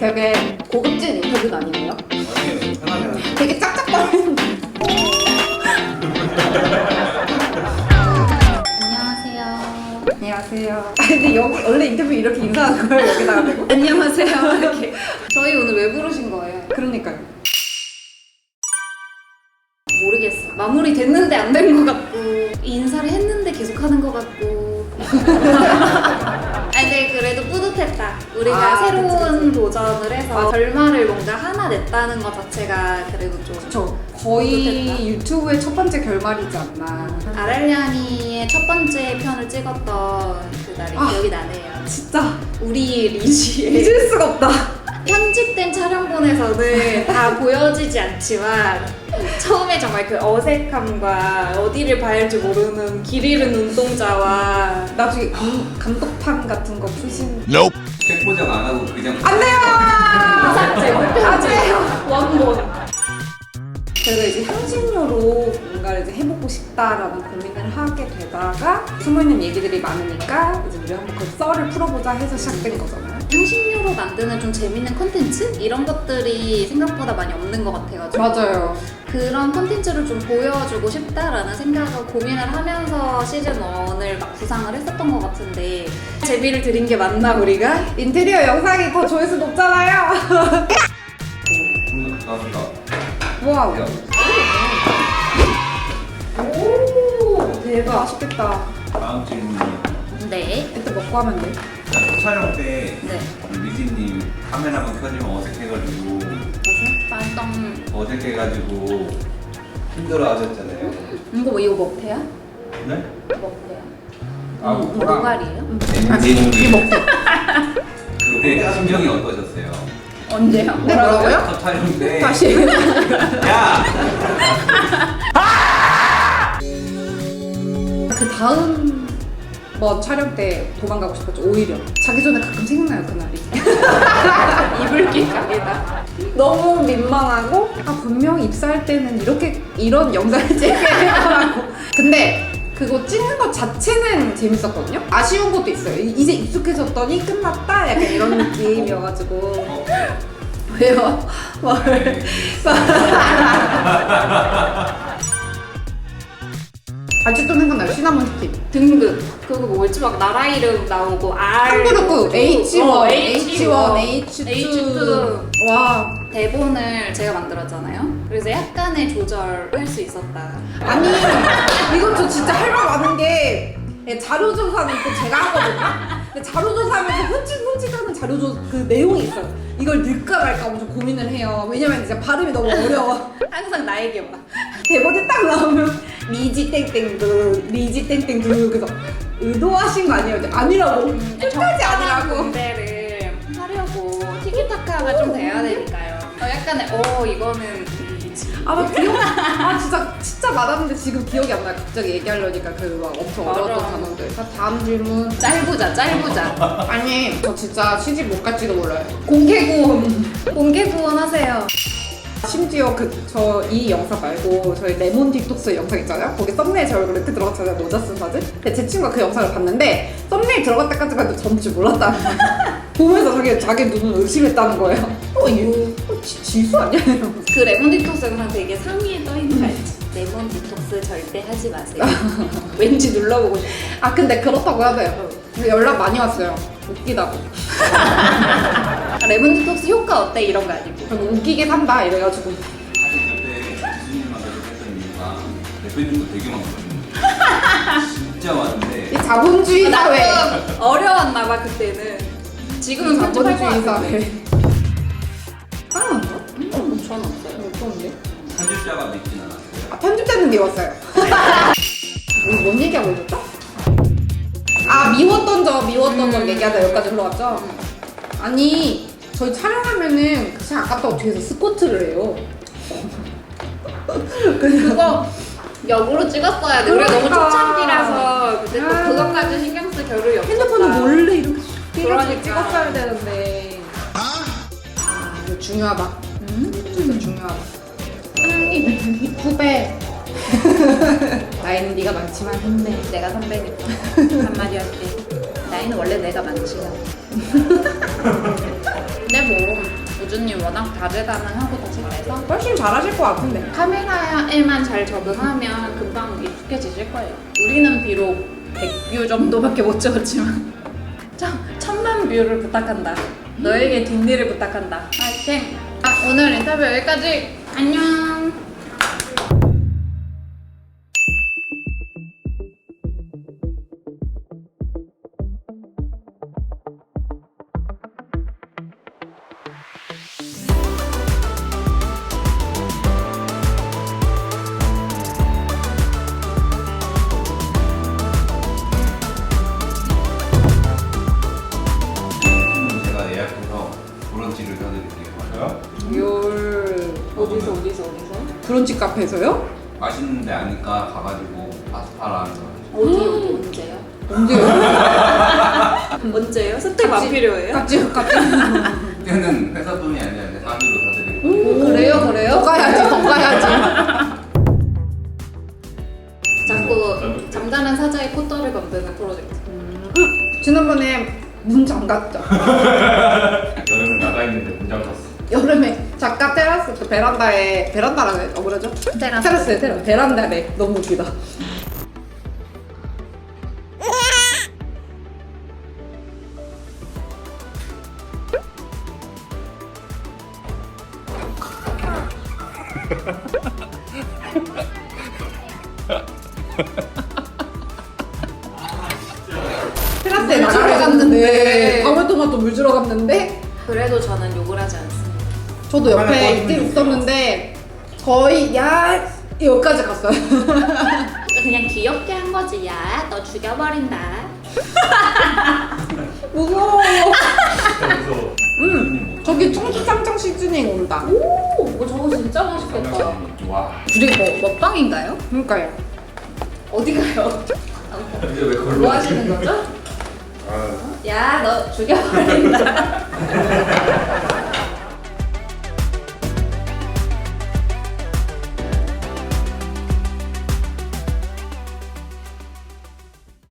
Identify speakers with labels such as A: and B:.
A: 되게 고급진 인터뷰는 아니에요?
B: 아니에요. 편하게.
A: 되게 짝짝거리는.
C: 안녕하세요.
A: 안녕하세요. 근데 여기 원래 인터뷰 이렇게 인사하는 거예요? 여기다가 대고?
C: 안녕하세요. 이렇게. 저희 오늘 왜 부르신 거예요?
A: 그러니까요.
C: 모르겠어. 마무리 됐는데 안 된 것 같고, 인사를 했는데 계속 하는 것 같고. 아니, 근데 그래도 뿌듯했다. 우리가 새로운 도전을 해서 결말을 뭔가 하나 냈다는 것 자체가 그래도 좀.
A: 저 거의
C: 뿌듯했다.
A: 유튜브의 첫 번째 결말이지 않나.
C: 아랄리아니의 첫 번째 편을 찍었던 그날이 기억이 나네요.
A: 진짜
C: 우리 리지의
A: 잊을 수가 없다.
C: 편집된 촬영본에서는 다 보여지지 않지만 처음에 정말 그 어색함과 어디를 봐야 할지 모르는 길 잃은 눈동자와
A: 나중에 감독판 같은 거 푸신.
B: 책 포장 안 하고 그냥.
A: 안 돼요!
C: 삭제, 불편하세요. 원본.
A: 제가 이제 향신료로 뭔가를 이제 해보고 싶다라는 고민을 하게 되다가 숨어있는 얘기들이 많으니까 이제 우리 한번 그 썰을 풀어보자 해서 시작된 거잖아요.
C: 향신료로 만드는 좀 재밌는 컨텐츠? 이런 것들이 생각보다 많이 없는 것 같아가지고
A: 맞아요.
C: 그런 컨텐츠를 좀 보여주고 싶다라는 생각을 고민을 하면서 시즌1을 막 구상을 했었던 것 같은데 재미를 드린 게 맞나 우리가?
A: 인테리어 영상이 더 조회수 높잖아요.
B: 가깝다.
A: 와우.
C: 오
A: 대박. 맛있겠다.
B: 다음 질문이요.
C: 네.
A: 이따 먹고 하면 돼.
B: 첫 촬영 때
C: 네.
B: 리지님 카메라만 켜지면 어색해가지고 어색해가지고 힘들어하셨잖아요.
C: 이거 먹태야?
B: 네?
C: 먹태야.
B: 아,
C: 노가리예요?
B: 네. 그때 심정이 어떠셨어요?
C: 언제요?
A: 뭐라고요?
B: 첫 촬영 때.
A: 다시.
B: 야!
A: 그 다음 번 촬영 때 도망가고 싶었죠. 오히려 자기 전에 가끔 생각나요 그날이.
C: 이불길 가게다.
A: 너무 민망하고 분명히 입사할 때는 이런 영상을 찍어야 거라고. 근데 그거 찍는 것 자체는 재밌었거든요. 아쉬운 것도 있어요. 이제 익숙해졌더니 끝났다 약간 이런 느낌이어가지고. 왜요? 뭘? 아직도 생각나요. 시나몬 스틱.
C: 등급. 그거 뭐였지? 막 나라 이름 나오고 R.
A: 탐구르크 H1,
C: H1,
A: H2.
C: H2.
A: 와.
C: 대본을 제가 만들었잖아요. 그래서 약간의 조절할 수 있었다.
A: 아니 이건 저 진짜 할 말 많은 게 자료조사는 또 제가 하거든요. 근데 자료조사하면서 흠칫흠칫하는 그 내용이 있어요. 이걸 넣을까 말까 엄청 고민을 해요. 왜냐면 이제 발음이 너무 어려워.
C: 항상 나에게 막.
A: 대본에 딱 나오면 리지 땡땡두 리지 땡땡두 그래서 의도하신 거 아니에요? 아니라고. 끝까지 아니라고.
C: 군대를 하려고 티키타카가 좀 돼야 되니까요. 약간의 이거는
A: 나 기억 진짜 많았는데 지금 기억이 안 나요. 갑자기 얘기하려니까 그 막 엄청
C: 맞아.
A: 어려웠던 단어들. 자, 다음 질문.
C: 짧으자.
A: 아니 저 진짜 시집 못 갈지도 몰라요. 공개 구원
C: 하세요.
A: 심지어 저 이 영상 말고 저희 레몬 딕톡스 영상 있잖아요. 거기 썸네일 제 얼굴 이렇게 들어갔잖아요. 모자 쓴 사진. 근데 제 친구가 그 영상을 봤는데 썸네일 들어갈 때까지만 해도 전줄 몰랐다는 거예요. 보면서 자기 눈을 의심했다는 거예요. 이거 지수 아니야? 이러면서.
C: 그 레몬 디톡스 영상 되게 상위에 떠있는 거 알지? 레몬 디톡스 절대 하지 마세요. 왠지 눌러보고 싶어.
A: 근데 그렇다고 해야 돼요. 근데 연락 많이 왔어요. 웃기다고.
C: 레몬 디톡스 효과 어때? 이런 거 아니고.
A: 저는 웃기게 산다 이래가지고.
B: 사실 그때 교수님만 계속했던 이유가 대표님도 되게 많거든요. 진짜 많은데.
A: 이 자본주의 사회.
C: 나도 어려웠나 봐 그때는. 지금은 편집할 거
A: 자본주의
C: 같은데.
A: 사회. 사랑한가?
C: 전 없어요.
A: 어떤데?
B: 편집자가 믿진 않았어요.
A: 편집자는 미웠어요. 우리 뭔 얘기하고 있었죠? 미웠던 점 얘기하다 여기까지 올라왔죠? 아니 저희 촬영하면은 그냥 아까부터 뒤에서 스쿼트를 해요.
C: 그거 역으로 찍었어야 돼. 우리가 너무
A: 그러니까.
C: 초창기라서 그때 또 그것까지 신경 쓸 겨를이 없었다.
A: 핸드폰을 몰래 이렇게
C: 그러니까.
A: 해가지고 찍었어야 되는데. 이거 중요하다. 이거 중요하다. 후배. 나이는 네가 많지만 힘내.
C: 내가 선배니까 한마디 할게. 나이는 원래 내가 많지요.
D: 근데 뭐 우주님 워낙 다재다능하고 더 잘해서
A: 훨씬 잘하실 것 같은데.
D: 카메라에만 잘 적응하면 금방 익숙해지실 거예요. 우리는 비록 100뷰 정도밖에 못 찍었지만 1000만 뷰를 부탁한다. 너에게 뒷일을 부탁한다. 파이팅! 오늘 인터뷰 여기까지. 안녕!
B: 제가 예약해서 브런치를 사드릴게요.
C: 어디서?
A: 브런치 카페에서요?
B: 맛있는데 아니까 가가지고 파스타랑
C: 언제요?
A: 언제요?
C: 언제요? 스텝 안 필요해요?
A: 깍지.
B: 그때는 회사 돈이 아니라 내 사비로 사드리고.
A: 그래요? 더 가야지.
C: 자꾸 잠자는 사자의 콧대를 만드는 프로젝트.
A: 지난번에 문 잠갔죠.
E: 여름에 나가 있는데 문장 탔어.
A: 여름에 작가 테라스 그 베란다라 그러죠? 테라스 베란다래. 너무 웃기다. 테라스에 나가러 갔는데 방울토마토 물 주러 갔는데
C: 그래도 저는 욕을 하지 않습니다.
A: 저도 옆에 있었는데 거의 야 여기까지 갔어요.
C: 그냥 귀엽게 한 거지. 야, 너 죽여버린다.
A: 무서워.
E: 진짜 무서워.
A: 저기 청주쌈장 시즈닝 온다.
C: 오, 저거 진짜 맛있겠다.
E: 와.
D: 우리 먹방인가요?
A: 그러니까요.
C: 어디 가요?
B: 이제 왜 걸로
C: 뭐 하시는 거죠? 야, 너 죽여버린다.